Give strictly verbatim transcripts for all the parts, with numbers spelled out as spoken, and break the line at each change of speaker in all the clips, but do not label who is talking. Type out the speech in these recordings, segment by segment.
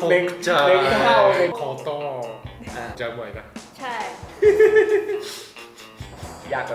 หนึ่ง
จะ
หนึ่งเท่าหนึ่ง
ขอต่อ
อ่ะ
จะไหวนะ
ใช่
ยากกว่า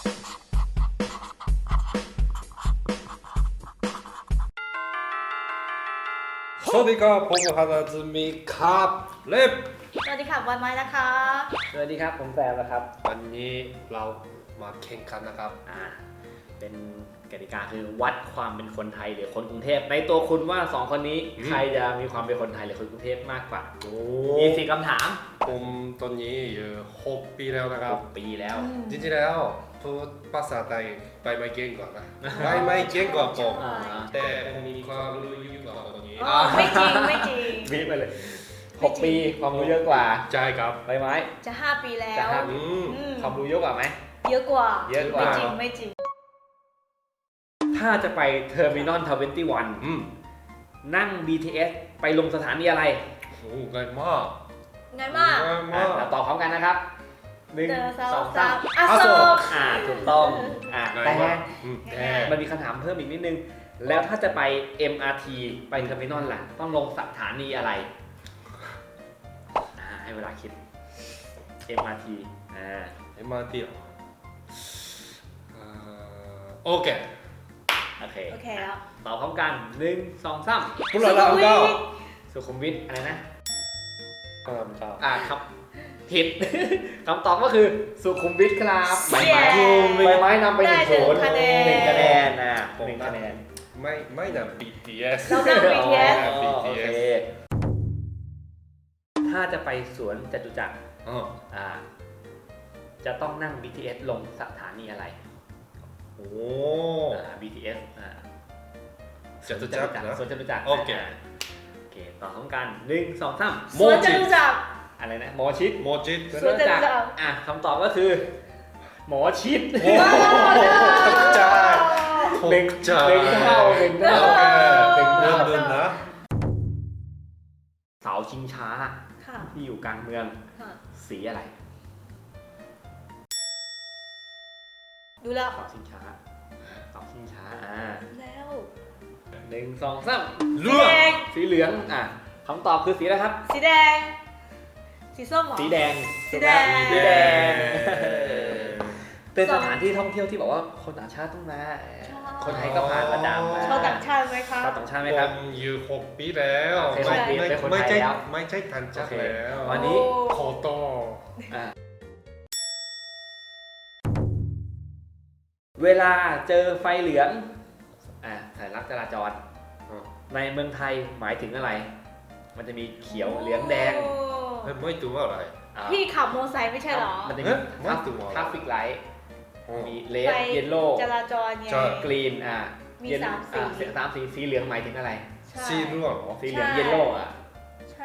สวัสดีครับผมฮานาซึมิครับเล็บ
สวัสดีค่ะวันไม้นะคะ
สวัสดีครับผมแซมนะครับ
วันนี้เรามาแข่งขันนะครับ
อ่าเป็นกติกาคือวัดความเป็นคนไทยหรือคนกรุงเทพในตัวคุณว่าสองคนนี้
อืม
ใครจะมีความเป็นคนไทยหรือคนกรุงเทพมากกว่า
โอ้
มีสี่คำถาม
ผมตอนนี้อยู่หกปีแล้วนะครับ
ปีแล้ว
จริงๆแล้วพูดภาษาไทยไปไม่เก่งกว่านะไม่ไม่เก่งกว่าผม
อ่า
แต่ผมมีความรู้เยอะกว่าตอนนี้
อ๋อไม่จริงไม่จริง
วิไปเลยหกปีความรู้เยอะกว่า
ใช่ครับ
ใบไม้
จะห้าปีแล้
จะ
ว
ห้า
อืม
อืม
ความรู้เยอะกว่าไหม
เยอะกว่า
เยอะกว่า
ไม่จริงไม่จริง
ถ้าจะไปเทอร์มินอลทเวนตี้วัน
อืม
นั่ง บี ที เอส ไปลงสถานีอะไร
โอ้ง่ายมาก
ง่ายมาก
ง่าย
อ่ะ
มาก
เราตอบพร้อมกันนะครับหนึ่ง
เจอส
ส
อ
อง ง
สา
สาม ม
อโศก
อ่าถูกต้องอ่า
ง่าย
แต่
มากอืมแต่
มันมีคำถามเพิ่มอีกนิดนึง แล้วถ้าจะไป เอ็ม อาร์ ที ไปเทอร์มินอลล่ะ ต้องลงสถานีอะไรอ่าให้เวลาคิด เอ็ม อาร์ ที อ่า
เอ็ม อาร์ ที เหรออ่าโอเค
โอเค
โอเคแล้ว
ตอบพร้อมกันหนึ่งสองสาม
พูดแล้วเราก็
สุขุมวิทอะไรนะ
ตามตาม
อ่าครับผิด คำตอบก็คือสุขุมวิทครับใบไม้
เย้
ใบไม้นำไปหนึ่ง
ได้หนึ่
ศู
ง
นย์
คะแนน
หนึ่งคะแนนนะหนึ่งคะแนน
ไม่ไม่นะ บี ที เอส
เรานั่ง บี ที เอส
อ๋อ
บี
โอ
ที
เค
เอส
ถ้าจะไปสวนจตุจักร
อ๋อ
อ่าจะต้องนั่ง บี ที เอส ลงสถานีอะไร
โอ้
อ่า บี ที เอส อ่า
จตุจักรนะ
สวนจตุจักร
โอเค
าโอเคต่อพร้อมกันหนึ่งสองสาม
สวนจตุจักร
อะไรนะหมอชิด
โมจิต
สวนจตุจักร
อ่ะคำตอบก็คือ หมอชิด
โอ้ตกใจต
หนึ่ง
กใจ
หนึ่งเท่าหนึ่งเท่า
โอเค
หนึ่ง
เดิ
เท่าน
เดินนะ
เสาชิงช้า
ค่ะ
ที่อยู่กลางเมือง
ค่ะ
สีอะไร
ดูแล้ว
เสาชิงช้าเสาชิงช้าอ่า
แล้ว
หนึ่งสองสาม
เลือก
แดง
สีเหลืองอ่ะคำตอบคือสีอะไรครับ
สีแดง สีส้มเหรอ
สีแดง
สีแดง
สีแดง เป็นสถานที่ท่องเที่ยวที่บอกว่าคนต่างชาติต้องมา คนไทยก็ผ่านประจำมา
ชาวต่างชาติไหมคะ
ชาวต่างชาติไหม
ผ
ครับ
มอยู่หกปีแล้ว
โอเค
ไม่
หกปี
ไม่
เป็นคน
ไม่
ไทย
ใช่
แล้ว
ไม่ใช่ทันจักร
โอเค
แล้ว
วันนี้
ขอต่อ
อ่ะเวลาเจอไฟเหลืองอ่ะสัญลักษณ์จราจร ในเมืองไทยหมายถึงอะไร มันจะมีเขียวเหลืองแดง
โอ้
ไม่ไม่ตัวอะไร
อ่า
พี่ขับมอเตอร์ไซค์ไม่ใช่เหรอ
มันจะมี
เอ๊ะไม่ตัว
ทราฟฟิกไลท์
อ๋อ
มีเลด
ไฟ
เยลโล่
จราจรไง
ใช่
กรีนอ่ะ
มี
เย็น
สามสี
อ่ะเสียงสามสีสีเหลืองหมายถึงอะไร
ใช่
สีร่วงเหรอ
สีเหลือง
ใช่
เยลโล่อ่ะ
ใช่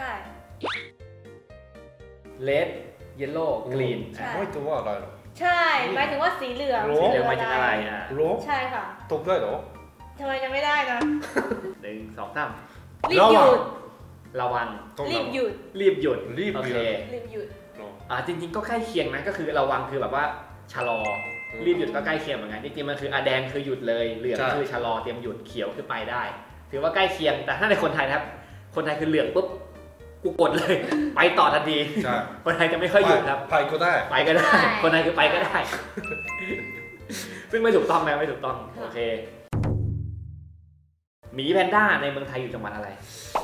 เลดเยลโล่กรีน
ใช่
ไม่ตัวอะไรหรอ
ใช่ หมายถึงว่าสีเหลือง
โอ้
สีเหลืองหมายถึงอะไรอ่ะ
รู้
ใช่ค่ะ
ตกได้เหรอ
ทำไมจะไม่ได้นะ
หนึ่งสองสาม
รีบหยุด
ระวัง
ต้อง
รีบหยุด
รีบหยุด
รีบ
โอ
ห
เค
ยุด
รีบหยุด
อ่าจริงๆก็ใกล้เคียงนะก็คือระวังคือแบบว่าชะลอ
อืม
รีบหยุดก็ใกล้เคียงเหมือนกันจริงๆมันคืออะแดงคือหยุดเลยเหลือง
ใช่
คือชะลอเตรียมหยุดเขียวคือไปได้ ถือว่าใกล้เคียงแต่ถ้าในคนไทยนะครับ คนไทยคือเหลืองปุ๊บกูกดเลย ไปต่อทันที
ใช่
คนไทยจะไม่ค่อยหยุดครับ
ไปก็ได้
ไปก็ได้
ใช่
คนไทยคือไปก็ได้ ซึ่งไม่ถูกต้องนะไม่ถูกต้องโอเคหมีแพนด้าในเมืองไทยอยู่จังหวัดอะไร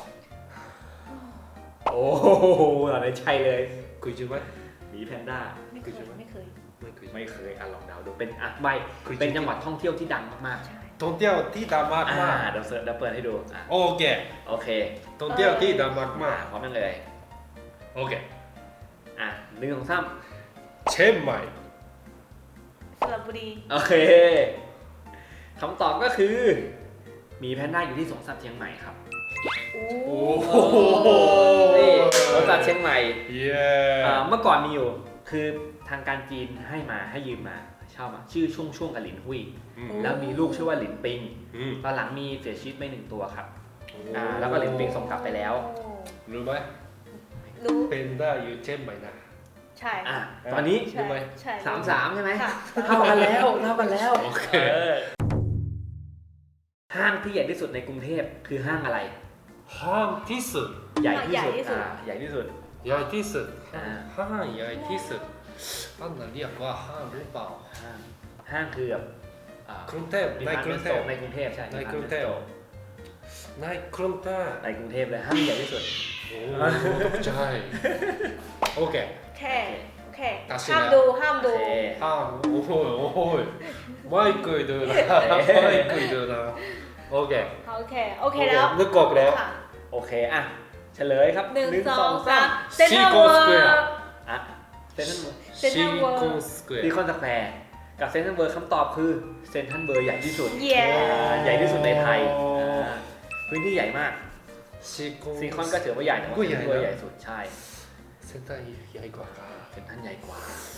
โอ้โหอะไรใช่เลย
คุยจริงไหม
หมีแพนด้า
ไม่เคยไม่เคย
ไม่คุย
ไม่เคยอ่ะลองเดาดูเป็นอ่ะใบ
คุย
เป็นจังหวัดท่องเที่ยวที่ดังมาก
ใช่
ท่องเที่ยวที่ดังมาก
ๆอ่าม
าก
เดี๋ยวเสิร์ชเดี๋ยวเปิดให้ดูอ่ะ
โอเค
โอเค
ท่องเที่ยวที่ดังมาก
มาม
าก
พร้อมกันเลย
โอเค
อ่ะหนึ่งสองสาม
เชียงใหม่
สระบุรี
โอเคคำตอบก็คือหมีแพนด้าอยู่ที่สวนสัตว์เชียงใหม่ครับ
โอ้
โอ้โห
นี่สวนสัตว์เชียงใหม่
เย้
อ่าเมื่อก่อนมีอยู่คือทางการจีนให้มาให้ยืมมาเช่ามาชื่อช่วงช่วงกับหลินหุย
อืม
แล้วมีลูกชื่อว่าหลินปิง
อืม
ตอนหลังมีเสียชีวิตไปหนึ่งตัวครับอ่าแล้วก็หลินปิงส่งกลับไปแล้ว
รู้ไหม
รู้
เป็นได้อยู่เชียงใหม่นะ
ใช่
อ่ะตอนนี้
ใช่
รู้ไหม
ใช่
สามสามใช่ไหม
ค่ะ
เท่ากันแล้วเท่ากันแล้ว
โอเค
อห้างที่ใหญ่ที่สุดในกรุงเทพคือห้างอะไร
ห้างที่สุด
ใหญ่ที่
ใหญ่
สุด
ที่สุด
อ่าใหญ่ที่สุด
ใหญ่ที่สุด
อ่า
ห้างใหญ่ที่สุดอันนั้นเรียกว่าห้างหรือเปล่า
ห้างห้างคือแบบอ่าก
รุงเทพในกรุงเทพ
ในกรุงเทพใช่
ในกรุงเทพ ในกรุงเทพ
ในกรุงเทพเลยห้างใหญ่ที่สุด
โอ้ตกใจโอเค
แค่โอเค
ตัดสิน
ห้าม
แล้ว
ดูห้าม
โอ
ดู
เค
ห้างโอ้โหโอ้โหไม่เคยดูนะไม่เคยดูนะโอเค
โอเคโอเคแล้ว
นึกออกแล้ว
ค่ะ
โอเคอ่ะเฉลยครับ
หนึ่งสอง
สา
สาม
ม
เซ็นทรัลเวิร์
Square
อ่ะเซนทรัลเวิร์
เซ็นทรั
ซี
ลเวิร์
คอนสแคว
ซี
ร์
คอนสแควร์กับเซนทรัลเวิร์คำตอบคือเซนทรัลเวิร์ใหญ่ที่สุด
เย้
อ่าใหญ่ที่สุดในไทยอ่าพื้นที่ใหญ่มาก
ซีคอน
ซีคอนก็ถือว่าใหญ่แต่ว่า
ก็
เซ
ให
น
ญ่
ทรัลเวิร์
นะ
ใหญ่สุดใช่
เซ็นทรัลใหญ่กว่าครับ
เซนทรัลใหญ่กว่า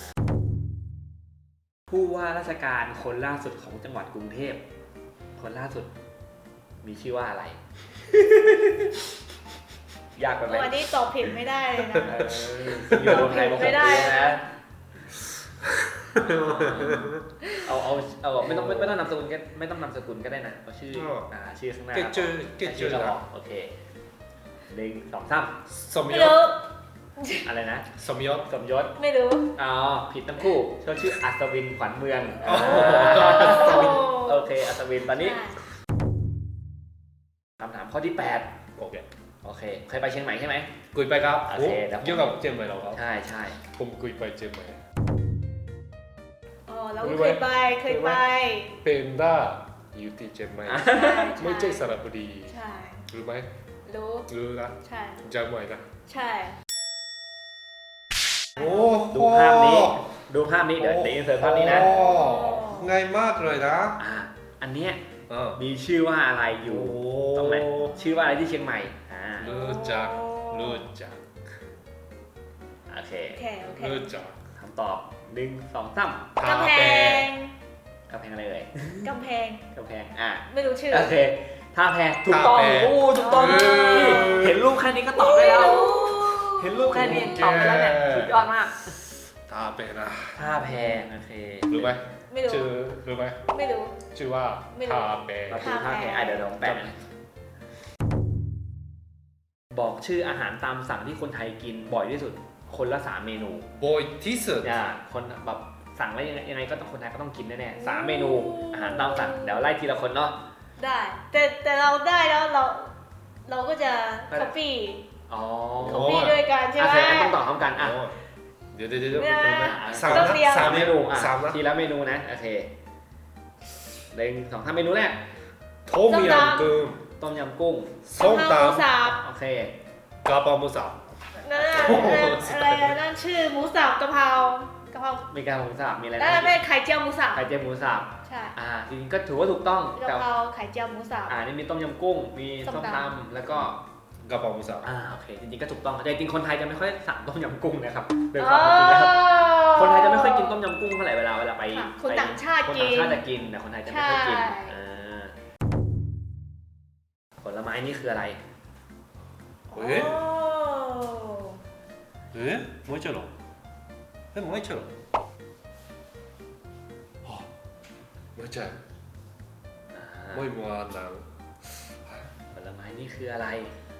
ผู้ว่าราชการคนล่าสุดของจังหวัดกรุงเทพคนล่าสุดมีชื่อว่าอะไร ยากไปไหม
วันนี้ตอบผิดไม่ได้เลยนะ
เอออยู่รวมไทยมาหก
ไม่ได้
ปีแล้วนะเอาเอาเอาไม่ต้องไม่ไม่ต้องนามสกุลก็ไม่ต้องนามสกุลก็ได้นะเอาชื่ออ่าชื่อข้างหน้า
เกจเจอเกจเจ
ชื่
อ
อเรา
นะ
ออกโอเคหนึ่งสองสาม
สม
ไม่
ยศ
รู้
อะไรนะ
สมยศ
สมยศ
ไม่รู้
อ๋อผิดทั้งคู่เขาชื่ออัศวินขวัญเมือง
โอ้โห
อ่า
โอ้
โอเคอัศวินตอนนี้
ใช่
คำถามข้อที่แปด
โอเค
โอเคเคยไปเชียงใหม่ใช่ไหม
คุยไปครับ
โอเคเดี๋ยวผม
เกี่ยวกับเชียงใหม่เหรอครับ
ใช่ใช่
ผมคุยไปเชียงใหม่
อ๋อเราก็เคยไปเคยไป
เป็นด้าอยู่ที่เชียงใหม่
อ่ะ
ใช่
ไม่ใช่สระบุรี
ใช่
รู้ไหม
รู้
รู้นะ
ใช่
จำไว้นะ
ใช่
โอ้
ดูภาพนี้ ดูภาพนี้เดี๋ยวเดี๋ยวอินเสิร์ตภาพนี้นะ
โอ้ง่ายมากเลยนะ
อ่าอันเนี้ย
เออ
มีชื่อว่าอะไรอยู่ ตรงไหน ชื่อว่าอะไรที่เชียงใหม่อ่า
รู้จักรู้จัก
โอเค
โอเคโอเค
รู้จัก
คำตอบหนึ่งสองสาม
กำแพง
กำแพงอะไรเอ่ย
กำแพง
กำแพงอ่ะ
ไม่รู้ชื่อ
โอเคท่าแพถูกต้องโอ้ถูกต้อง
เออ
นี่เห็นรูปแค่นี้ก็ตอบได้แล้ว
ไม่รู้
เห็นรูปแค่นี้ตอบได้แล้วเนี่ยสุดยอดมาก
ตาเป็นนะ
ท่าแพโอเค
รู้ไหม
ไม่รู้
ชื่อรู้ไหม
ไม่รู้
ชื่อว่า
ไม่รู้
ทาเป
เราดูท่าแพอ่ะเดี๋ยวเราแปะนะบอกชื่ออาหารตามสั่งที่คนไทยกินบ่อยที่สุด คนละสามเมนู
บอยที่สุด
อ่าคนแบบสั่งแล้วยังไงยังไงก็ต้องคนไทยก็ต้องกินแน่ๆสามเมนูอาหารตามสั่งเดี๋ยวไล่ทีละคนเนาะ
ได้ แต่แต่เราได้แล้วเรา เราก็จะ
ไม่ได้
copy
อ๋อ
copy ด้วยกันใช่
โอ
ไหม
เคงั้นต้องตอบพร้อมกันอ่ะ
โอ้เดี๋ยวเดี๋ยวเดี๋ยว
ไม่ได้
สาม
ต้อง
นะ
เรียง
สา
สาม ม
เม
เม
นู
นูอ่ะ
สามนะ
ทีละเมนูนะโอเคหนึ่งสองสามเมนูแรก
โทมิยำกุ้ง
ต้มยำกุ้ง
ส้ม
กะเพราหมู
ตำ
สับ
โอเค
กะเพราหมูสับ
นั่นน่ะ
โอ้โห
อะไรนะนั่นชื่อหมูสับกะเพรากะเพรา
มีการหมูสับมีอะไร
นั่น
นะ
ไม่ไข่เจียวหมูสับ
ไข่เจียวหมูสับ
ใช่
อ่าจริงๆก็ถือว่าถูกต้อง
กะ
แต่
เพราไข่เจียวหมูสับ
อ่านี่มีต้มยำกุ้ง มี
ส้
ส้ม
ม
ต
ต
ำแล้วก็
กะเพราหมูสับ
อ่าโอเคจริงๆก็ถูกต้องแต่จริงๆคนไทยจะไม่ค่อยสั่งต้มยำกุ้งนะครับโดยความเป็นจริงแล้วคนไทยจะไม่ค่อยกินต้มยำกุ้งเท่าไหร่เวลาเวลาไป
ค่ะคน
ไป
ต่างชาติ
คน
กิ
ต่าง
น
ชาติจะกินแต่คนไทยจะไม่ค่อยกิน
ใช่
อ่าผลไม้นี่คืออะไร
โอ้
เอ๊ะ えもう一丁のえもう一丁のあもう一丁
อ่า
もう一もあんなん
ผลไม้นี่คืออะไร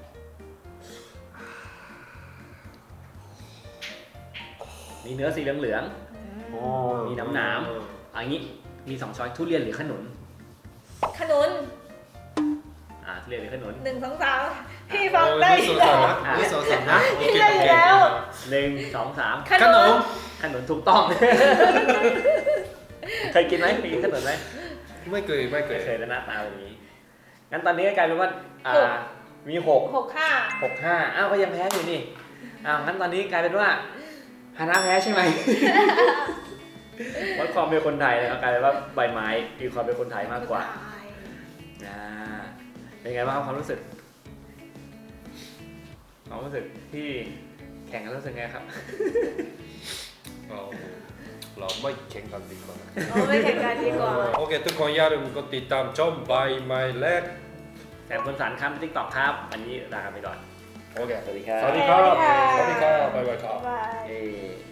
มีเนื้อสีเหลือง
อืม
มีน้ำหนาม ๆอันนี้มีสองช้อยทุเรียนหรือขนุน
ขนุน
อ่าทุเรียนหรือขนุน
หนึ่งสองสามพี่ฟังได้
おい嘘さんな嘘さんなオッケーオッケーオッケー
หนึ่งสองสาม
ข
ข
นุ
น
น
ม
ขนุนถูกต้อง เคยกินไหมเคยกินขนุนไหม
ไม่เคยไม่เค
ไม่
ย
เคยแล้วหน้าตาแบบนี้ งั้นตอนนี้ก็กลายเป็นว่า อ่า มีหก
หกห้า
หกห้าอ้าวก็ยังแพ้อยู่นี่ อ้าวงั้นตอนนี้กลายเป็นว่าฮานะแพ้ใช่ไหม วัดความเป็นคนไทยนะครับกลายเป็นว่าใบไม้มีความเป็นคนไทยมากกว่า อ่า เป็นไงบ้างครับความรู้สึก ความรู้สึกที่แข่งกันรู้สึกไงครับ
เอาเราไม่แข่งกันดีกว่า
เอาไม่แข่งกันดีกว่า
โอเคทุกคนอย่าลืมกดติดตามช่องใบไม้เล็ก
แสบคนสารครับติ๊กต็อกครับ วันนี้ลาไปก่อน
โอเค
สวัสดีครับ
สวัสดีครับ
สวัสดีค่ะ
สวัสดีครับบ๊ายบายครับ
บ๊ายบาย
เอ่